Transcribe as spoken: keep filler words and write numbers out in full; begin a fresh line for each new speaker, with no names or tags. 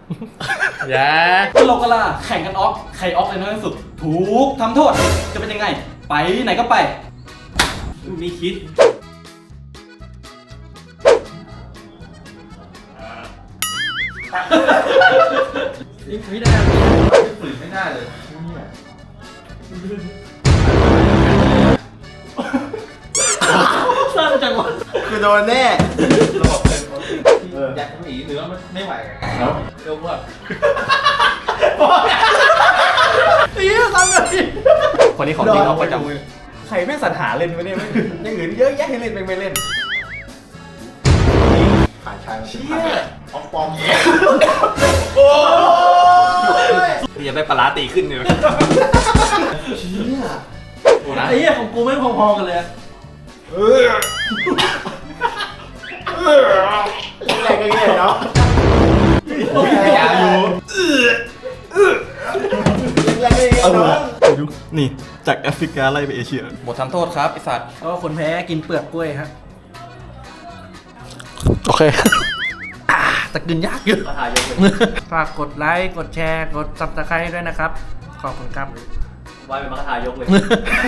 อย่า
ก็โลกาลาแข่งกันออกใครออกเลยน้อยที่สุดถูกทำโทษจะเป็นยังไงไปไหนก็ไป
มีคิดไม่ได้ฝืนไม่ได้เลยสั้นจังวะ
คือโดนแน่
ระบบเป็นอยากทำหนีเนื้อมันไม่ไหวแล้วเร็วมากนี่ทำแบบนี้
คนนี้ของจริงเขาประจ
ใครแม่งสรรหาเล่นวะเนี่ยไม่อย่างอื่นเยอะแยะให้เล่นไม่เล่นผ่านชายมาเป็นพันออกปอมโอ้ย
อย่าไปปลาตีขึ้นเลย
เชี่ย
ไอ้เหี้ยของกูไม่พอๆกันเลย
เออแรงกันเงี้ยเนาะ
อย่าอยู่
แรงกันเงี้ยเนาะ
นี่จากแอฟริกาไล่ไปเอเชีย
ำบททำโทษครับไอสัตว์
ก็คนแพ้กินเปลือกกล้วยฮะ
โอเค
แต่กินยากอยู่
มาถ่ายยกเลย
ฝากกดไลค์ กดแชร์ กดซับสไครต์ด้วยนะครับ ขอบคุณครับ
วายเป็นมาถ่ายยกเลย